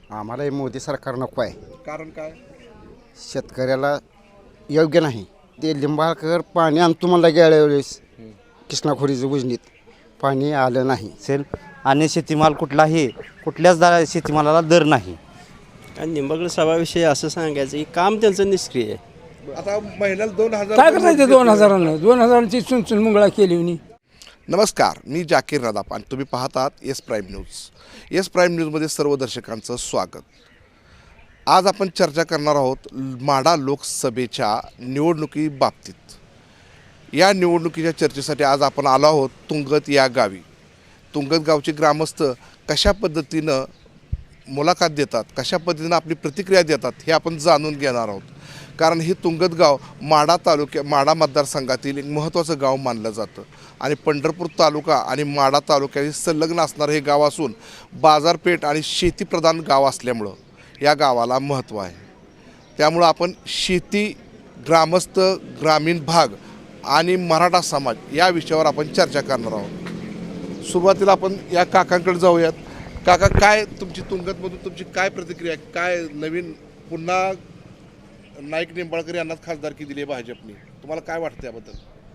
आम्हाला हे मोदी सरकार नको आहे. कारण काय? शेतकऱ्याला योग्य नाही. ते लिंबाळकर पाणी आणतो म्हणला गेल्या वेळेस कृष्णाखोरीचं उजनीत पाणी आलं नाही. असेल आणि शेतीमाल कुठल्याच शेतीमालाला दर नाही. आणि निंबागड सभाविषयी असं सांगायचं की काम त्यांचं निष्क्रिय आहे. आता महिन्याला 2000 काय करायचं 2000ची चुनचुन मुंगळा केली म्हणे. नमस्कार, मी जाकीर नदाफ आणि तुम्ही पाहतात S prime news. S prime न्यूजमध्ये सर्व दर्शकांचं स्वागत. आज आपण चर्चा करणार आहोत माढा लोकसभेच्या निवडणुकीबाबतीत. या निवडणुकीच्या चर्चेसाठी आज आपण आलो आहोत तुंगत या गावी. तुंगत गावचे ग्रामस्थ कशा पद्धतीनं मुलाखत देतात, कशा पद्धतीनं आपली प्रतिक्रिया देतात हे आपण जाणून घेणार आहोत. कारण हे तुंगत गाव माढा मतदारसंघातील एक महत्त्वाचं गाव मानलं जातं आणि पंढरपूर तालुका आणि माढा तालुक्याशी संलग्न असणारं हे गाव असून बाजारपेठ आणि शेतीप्रधान गाव असल्यामुळं या गावाला महत्त्व आहे. त्यामुळं आपण शेती, ग्रामस्थ, ग्रामीण भाग आणि मराठा समाज या विषयावर आपण चर्चा करणार आहोत. सुरुवातीला आपण या काकांकडे जाऊयात. काका, काय तुमची तुंगतमधून तुमची काय प्रतिक्रिया, काय नवीन पुन्हा नाईक निंबाळकर यांनाच खासदारकी दिली आहे भाजपने, तुम्हाला काय वाटतं याबद्दल?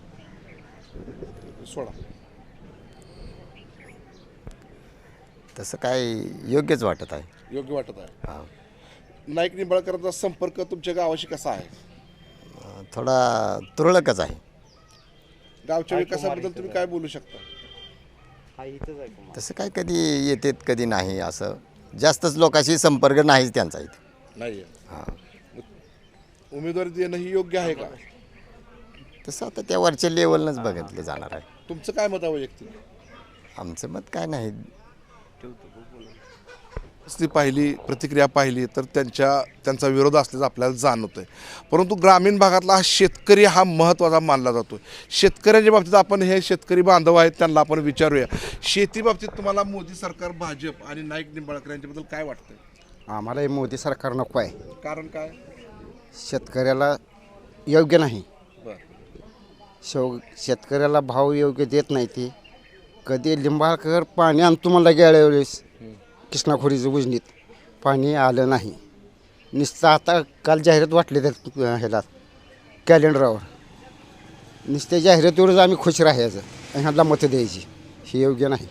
सोडा. तसं काय योग्यच वाटत आहे. योग्य वाटत आहे. हा. नाईक निंबाळकरांचा संपर्क तुमच्या गावाशी कसा आहे? थोडा तुरळकच आहे. गावच्या विकासाबद्दल तुम्ही काय बोलू शकता? तसं काय कधी येतात कधी नाही, असं जास्तच लोकांशी संपर्क नाहीच त्यांचा इथे. नाही. हां. उमेदवारी देणं ही योग्य आहे का? तसं आता त्या वरच्या लेवलनंच बघितलं जाणार आहे. तुमचं काय मत आहे वैयक्तिक? आमचं मत काय नाही. ती पाहिली, प्रतिक्रिया पाहिली तर त्यांचा विरोध असल्याचं आपल्याला जाणवत आहे. परंतु ग्रामीण भागातला हा शेतकरी हा महत्त्वाचा मानला जातो. शेतकऱ्यांच्या बाबतीत आपण हे शेतकरी बांधव आहेत त्यांना आपण विचारूया. शेती बाबतीत तुम्हाला मोदी सरकार, भाजप आणि नाईक निंबाळकर यांच्याबद्दल काय वाटतंय? आम्हाला हे मोदी सरकार नको आहे. कारण काय? शेतकऱ्याला योग्य नाही. बरं. शेतकऱ्याला भाव योग्य देत नाही. ते कधी लिंबाळकर पाणी आणतो म्हणला गेल्या वेळेस कृष्णाखोरीचं उजनीत पाणी आलं नाही. नुसतं आता काल जाहिरात वाटली त्या ह्याला कॅलेंडरावर. नुसत्या जाहिरातीवरच आम्ही खुश राहायचं आणि ह्याला मतं द्यायची, हे योग्य नाही.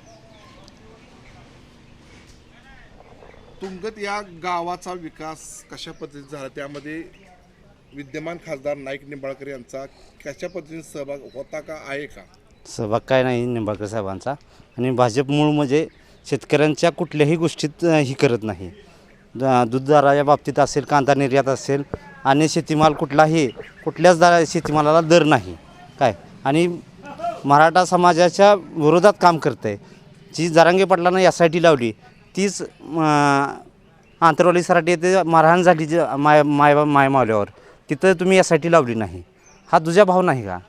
तुंगत या गावाचा विकास कशा पद्धतीने झाला, त्यामध्ये विद्यमान खासदार नाईक निंबाळकर यांचा कशा पद्धतीने सहभाग होता का, आहे का? सहभाग काय नाही निंबाळकर साहेबांचा. आणि भाजप मूळ म्हणजे शेतकऱ्यांच्या कुठल्याही गोष्टीत ही करत नाही. दूध दराच्या बाबतीत असेल, कांदा निर्यात असेल आणि शेतीमाल कुठल्याच शेतीमालाला दर नाही काय. आणि मराठा समाजाच्या विरोधात काम करत आहे. जी जरांगे पाटलांना यासाठी लावली तीच आंतरवाली सराटी येथे मारहाण झाली जी माय मावल्यावर, तिथं तुम्ही यासाठी लावली नाही. हा तुझा भाव नाही का?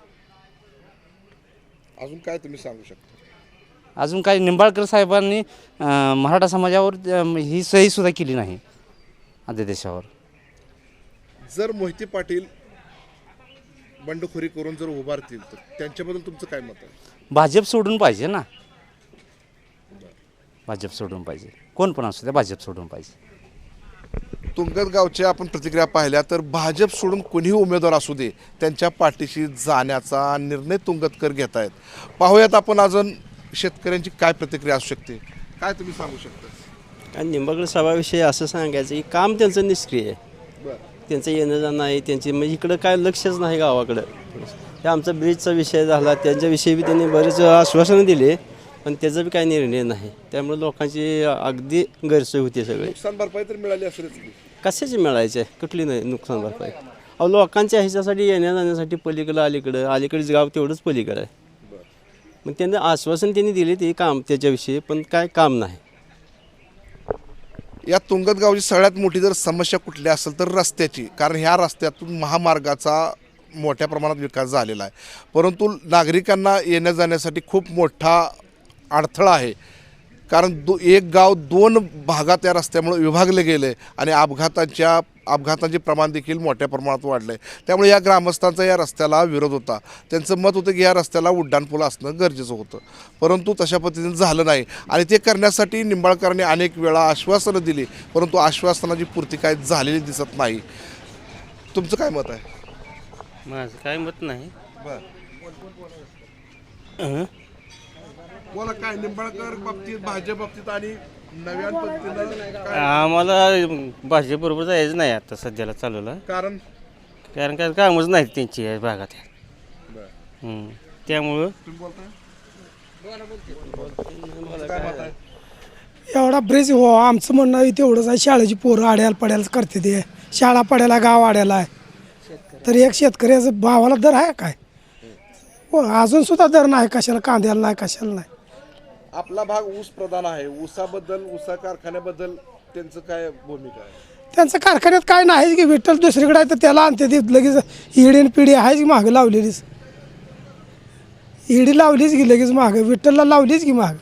अजून काय तुम्ही सांगू शकता? अजून काही निंबाळकर साहेबांनी मराठा समाजावर ही सहीसुद्धा केली नाही अध्यादेशावर. जर मोहिते पाटील बंडखोरी करून जर उभारतील तर त्यांच्याबद्दल तुमचं काय मत आहे? भाजप सोडून पाहिजे ना. भाजप सोडून पाहिजे, कोण पण असू द्या, भाजप सोडून पाहिजे. तुंगत गावच्या आपण प्रतिक्रिया पाहिल्या तर भाजप सोडून कोणीही उमेदवार असू दे त्यांच्या पाठीशी जाण्याचा निर्णय तुंगतकर घेत आहेत. पाहूयात आपण अजून शेतकऱ्यांची काय प्रतिक्रिया असू शकते, काय तुम्ही सांगू शकता? आणि निंबागड सभाविषयी असं सांगायचं की काम त्यांचं निष्क्रिय आहे. बरं. त्यांचं येणं जाणं आहे, त्यांची म्हणजे इकडं काय लक्षच नाही गावाकडं. हे आमचा ब्रिजचा विषय झाला, त्यांच्याविषयी बी त्यांनी बरेच आश्वासनं दिले पण त्याचा बी काही निर्णय नाही. त्यामुळे लोकांची अगदी गैरसोय होती. सगळे नुकसान भरपाई तर मिळाली असेल. कशाची मिळायची आहे, कुठली नाही नुकसान भरपाई. अहो लोकांच्या ह्याच्यासाठी येण्या जाण्यासाठी पलीकडं अलीकडेच गाव तेवढंच पलीकडं आहे. मग त्यांनी आश्वासन त्यांनी दिले ते काम त्याच्याविषयी, पण काय काम नाही. या तुंगत गावची सगळ्यात मोठी जर समस्या कुठली असेल तर रस्त्याची. कारण ह्या रस्त्यातून महामार्गाचा मोठ्या प्रमाणात विकास झालेला आहे, परंतु नागरिकांना येण्या जाण्यासाठी खूप मोठा अडथळा आहे. कारण एक गाव 2 भागात या रस्त्यामुळे विभागले गेले आणि अपघातांचे प्रमाण देखील मोठ्या प्रमाणात वाढलं आहे. त्यामुळे या ग्रामस्थांचा या रस्त्याला विरोध होता. त्यांचं मत होतं की या रस्त्याला उड्डाणपूल असणं गरजेचं होतं, परंतु तशा पद्धतीने झालं नाही आणि ते करण्यासाठी निंबाळकरांनी अनेक वेळा आश्वासनं दिली, परंतु आश्वासनाची पूर्ती काय झालेली दिसत नाही. तुमचं काय मत आहे? माझं काय मत नाही. बोला, काय निंबाळकर बाबतीत, भाजप बाबतीत आणि नव्या पद्धतीनं आम्हाला भाजपबरोबर जायचं नाही आता सध्याला चालवलं, कारण कारण काय कामच नाहीत त्यांची या भागात. त्यामुळं काय मत आहे? एवढा ब्रिज हो आमचं म्हणणं आहे तेवढंच आहे. शाळेची पोरं आड्याला पड्याला करते ते, शाळा पड्याला गाव आड्याला आहे, तर एक शेतकऱ्याचं भावाला दर आहे काय? हो, अजून सुद्धा दर नाही, कशाला कांद्याला नाही, कशाला नाही. आपला भाग ऊस प्रधान आहे. ऊसाबद्दल, ऊसा कारखान्याबद्दल त्यांचं काय भूमिका आहे? त्यांचं कारखान्यात काय नाही की विठ्ठल दुसरीकडे आहे तर त्याला आणते ते लगेच. ईडीन पिढी आहेच की मागं लावलेलीच, ईडी लावलीच की लगेच मागं, विठ्ठलला लावलीच की मागं,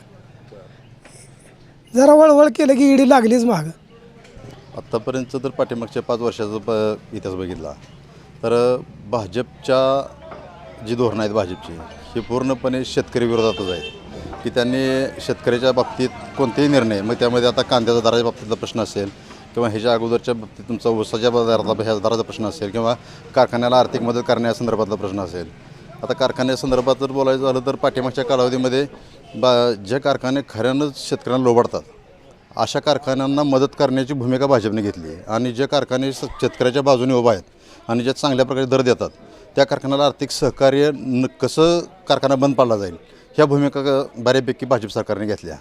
जरा वळवळ केलं की ईडी लागलीच मागं. आत्तापर्यंत जर पाठीमागच्या 5 वर्षाचा इतिहास बघितला तर भाजपच्या जी धोरणं आहेत भाजपची, ही पूर्णपणे शेतकरी विरोधातच आहेत. की त्यांनी शेतकऱ्याच्या बाबतीत कोणतेही निर्णय, मग त्यामध्ये आता कांद्याच्या दराच्या बाबतीतला प्रश्न असेल किंवा ह्याच्या अगोदरच्या बाबतीत तुमचा ऊसाच्या दराचा प्रश्न असेल किंवा कारखान्याला आर्थिक मदत करण्यासंदर्भातला प्रश्न असेल. आता कारखान्यासंदर्भात जर बोलायचं झालं तर पाठीमागच्या कालावधीमध्ये जे कारखाने खऱ्यानंच शेतकऱ्यांना लोबाडतात अशा कारखान्यांना मदत करण्याची भूमिका भाजपने घेतली आहे. आणि जे कारखाने शेतकऱ्याच्या बाजूने उभा आहेत आणि जे चांगल्या प्रकारे दर देतात त्या कारखान्याला आर्थिक सहकार्य कसं कारखाना बंद पाडला जाईल ह्या भूमिका बऱ्यापैकी भाजप सरकारने घेतल्या.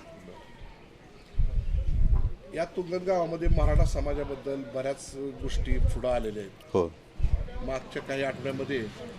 या तुंगत गावामध्ये मराठा समाजाबद्दल बऱ्याच गोष्टी पुढं आलेल्या आहेत. हो, मागच्या काही आठवड्यामध्ये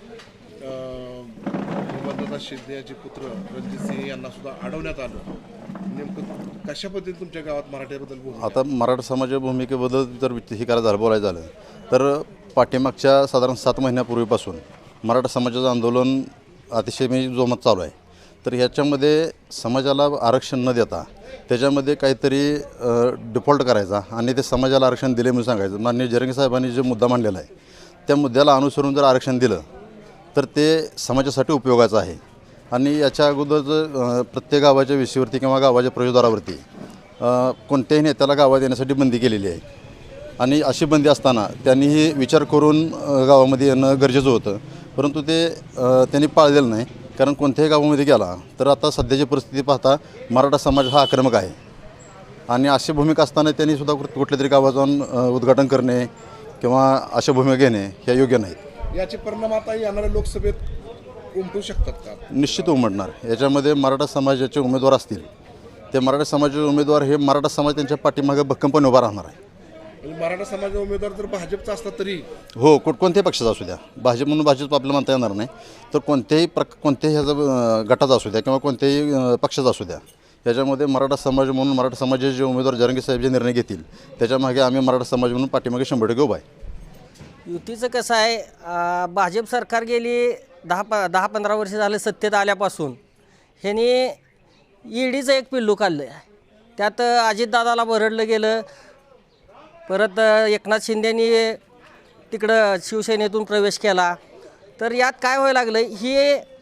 बंदता शिंदेचे पुत्र रणजित सिंह यांना सुद्धा अडवण्यात आलं. नेमकं कशा पद्धतीने तुमच्या गावात मराठ्याबद्दल बोलू? आता मराठा समाजाच्या भूमिकेबद्दल जर हे करायचं झालं, बोलायचं झालं तर पाठीमागच्या साधारण 7 महिन्यापूर्वीपासून मराठा समाजाचं आंदोलन अतिशय जोमात चालू आहे. तर ह्याच्यामध्ये समाजाला आरक्षण न देता त्याच्यामध्ये काहीतरी डिफॉल्ट करायचा आणि ते समाजाला आरक्षण दिले म्हणून सांगायचं. माननीय जरंगे साहेबांनी जो मुद्दा मांडलेला आहे त्या मुद्द्याला अनुसरून जर आरक्षण दिलं तर ते समाजासाठी उपयोगाचं आहे. आणि याच्या अगोदर प्रत्येक गावाच्या विषयावरती किंवा गावाच्या प्रवेशद्वारावरती कोणत्याही नेत्याला गावात येण्यासाठी बंदी केलेली आहे. आणि अशी बंदी असताना त्यांनीही विचार करून गावामध्ये येणं गरजेचं होतं, परंतु ते त्यांनी पाळलेलं नाही. कारण कोणत्याही गावामध्ये गेला तर आता सध्याची परिस्थिती पाहता मराठा समाज हा आक्रमक आहे आणि अशी भूमिका असताना त्यांनी सुद्धा कुठल्या तरी गावात जाऊन उद्घाटन करणे किंवा अशा भूमिका घेणे ह्या योग्य नाहीत. याचे परिणाम आता येणाऱ्या लोकसभेत उमटू शकतात का? निश्चित उमटणार. याच्यामध्ये मराठा समाजाचे उमेदवार असतील ते मराठा समाजाचे उमेदवार हे मराठा समाज त्यांच्या पाठीमागे भक्कमपणे उभा राहणार आहे. मराठा समाजाचा उमेदवार जर भाजपचा असला तरी हो, कोणत्याही पक्षाचा असू द्या, भाजप म्हणून भाजप आपल्याला म्हणता येणार नाही, तर कोणत्याही ह्याचा गटाचा असू द्या किंवा कोणत्याही पक्षाचा असू द्या, याच्यामध्ये मराठा समाज म्हणून मराठा समाजाचे जे उमेदवार जरंगे साहेब जे निर्णय घेतील त्याच्यामागे आम्ही मराठा समाज म्हणून पाठीमागे 100% उभा आहे. युतीचं कसं आहे, भाजप सरकार गेली 10-15 वर्ष झाले सत्तेत आल्यापासून ह्यांनी ईडीचं एक पिल्लू काढलं आहे. त्यात अजितदादाला भरडलं गेलं. परत एकनाथ शिंदेनी तिकडं शिवसेनेतून प्रवेश केला. तर यात काय व्हायला लागलं, ही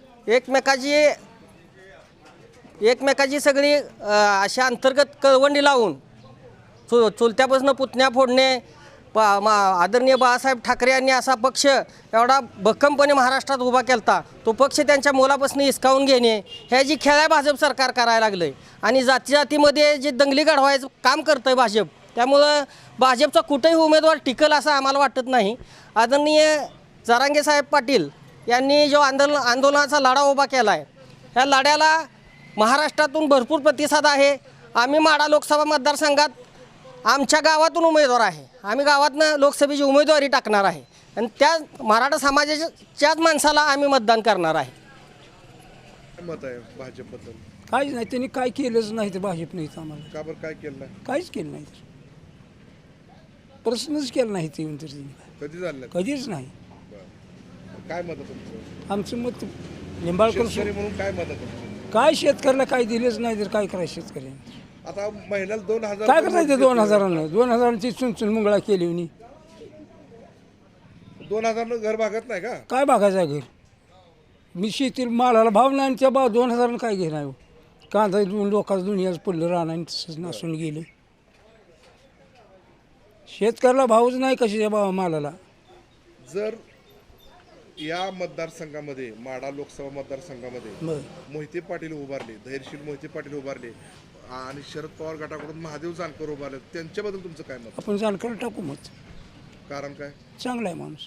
एकमेकाची सगळी अशा अंतर्गत कळवंडी लावून चुलत्यापासून पुतण्या फोडणे. आदरणीय बाळासाहेब ठाकरे यांनी असा पक्ष एवढा भक्कमपणे महाराष्ट्रात उभा केला, तो पक्ष त्यांच्या मोलापासून हिसकावून घेणे ह्या जी खेळ आहे भाजप सरकार करायला लागलं आहे. आणि जातीजातीमध्ये जे दंगली घडवायचं काम करतं आहे भाजप, त्यामुळं भाजपचा कुठेही उमेदवार टिकल असं आम्हाला वाटत नाही. आदरणीय जरांगे साहेब पाटील यांनी जो आंदोलनाचा लढा उभा केला आहे, ह्या लढ्याला महाराष्ट्रातून भरपूर प्रतिसाद आहे. आम्ही माढा लोकसभा मतदारसंघात आमच्या गावातून उमेदवार आहे, आम्ही गावातनं लोकसभेची उमेदवारी टाकणार आहे आणि त्या मराठा समाजाच्याच माणसाला आम्ही मतदान करणार आहे. मत आहे भाजपबद्दल? काहीच नाही, त्यांनी काय केलंच नाही तर भाजप नाही आम्हाला. का बरं काय केलं नाही? काहीच केलं नाही, प्रश्नच केला नाही ते तर कधी झालं? कधीच नाही. काय मत आहे तुमचं? आमचं मत निंबाळकर शेतकरी म्हणून काय मत आहे तुमचं? काय शेतकऱ्याला काय दिलेच नाही तर काय करायचं शेतकऱ्यांनी. आता महिन्याला 2000 काय करायचं 2000 2000ची चुनचुन मुंगळा केली होती. 2000 घर भागत नाही का? काय बघायचं घर? मी शेती मालाला भाव नाही आणि त्या 2000 काय घेणार हो? कांदा लोकांचं दुनियाच पडलं राहणार तसंच नसून गेलं. शेतकऱ्याला भावच नाही कशाच्या भाव मालाला. जर या मतदारसंघामध्ये माढा लोकसभा मतदारसंघामध्ये बरं. मोहिते पाटील उभारले, धैर्यशील मोहिते पाटील उभारले आणि शरद पवार गटाकडून महादेव जानकर उभारले, त्यांच्याबद्दल तुमचं काय मत? आपण जानकर टाकू मत. कारण काय? चांगला आहे माणूस.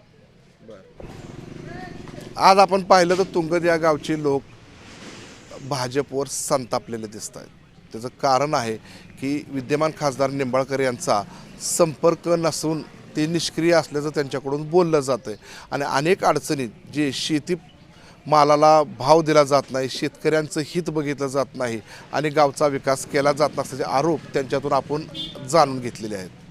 आज आपण पाहिलं तर तुंगद या गावचे लोक भाजपवर संतापलेले दिसत आहेत. त्याचं कारण आहे की विद्यमान खासदार निंबाळकर यांचा संपर्क नसून ते निष्क्रिय असल्याचं त्यांच्याकडून बोललं जातं आहे आणि अनेक अडचणीत जे शेती मालाला भाव दिला जात नाही, शेतकऱ्यांचं हित बघितलं जात नाही आणि गावचा विकास केला जात नसल्याचे आरोप त्यांच्यातून आपण जाणून घेतलेले आहेत.